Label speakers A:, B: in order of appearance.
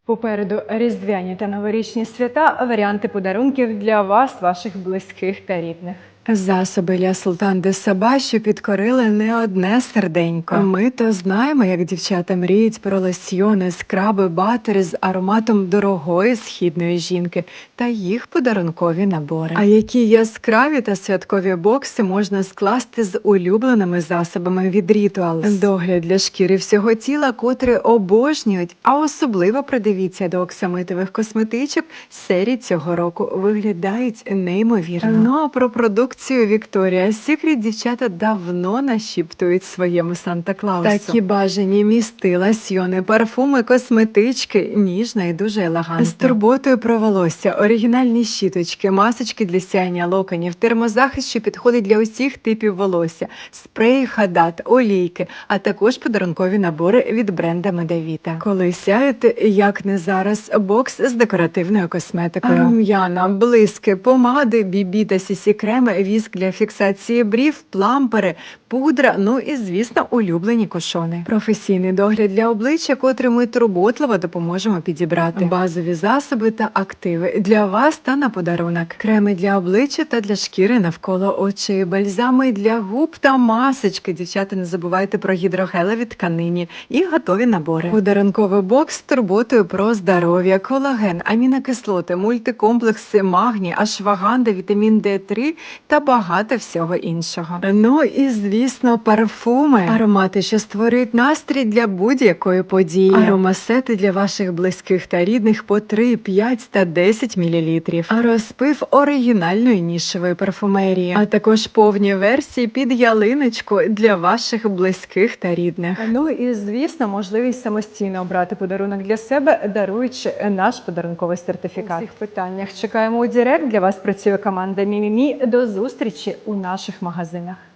A: Попереду різдвяні та новорічні свята, варіанти подарунків для вас, ваших близьких та рідних.
B: Засоби для Султан де Саба, що підкорили не одне серденько. Ми то знаємо, як дівчата мріють про лосьйони, скраби, батери з ароматом дорогої східної жінки та їх подарункові набори. А які яскраві та святкові бокси можна скласти з улюбленими засобами від Rituals. Догляд для шкіри всього тіла, котрі обожнюють, а особливо придивіться до оксамитових косметичок, серії цього року виглядають неймовірно. Ну а про продукцію Victoria's Secret дівчата давно нашіптують своєму Санта-Клаусу. Такі бажані місти, лосьйони, парфуми, косметички, ніжно і дуже елегантно. З турботою про волосся, оригінальні щіточки, масочки для сяєння локонів, термозахист, що підходить для усіх типів волосся, спреї Хадат, олійки, а також подарункові набори від бренда Медавіта. Коли сяєте, як не зараз, бокс з декоративною косметикою. Рум'яна, блиски, помади, бібі та сісі-креми, віск для фіксації брів, плампери, пудра, ну і, звісно, улюблені кушони. Професійний догляд для обличчя, котрий ми турботливо допоможемо підібрати. Базові засоби та активи для вас та на подарунок. Креми для обличчя та для шкіри навколо очей, бальзами для губ та масочки. Дівчата, не забувайте про гідрогелеві тканині і готові набори. Подарунковий бокс з турботою про здоров'я, колаген, амінокислоти, мультикомплекси, магній, ашваганда, вітамін D3 та багато всього іншого. Ну і, звісно, парфуми. Аромати, що створюють настрій для будь-якої події. Аромасети для ваших близьких та рідних по 3, 5 та 10 мл. А розпив оригінальної нішевої парфумерії. А також повні версії під ялиночку для ваших близьких та рідних.
A: Ну і, звісно, можливість самостійно обрати подарунок для себе, даруючи наш подарунковий сертифікат. У всіх питаннях чекаємо у Директ. Для вас працює команда Мімімі. До зустрічі у наших магазинах.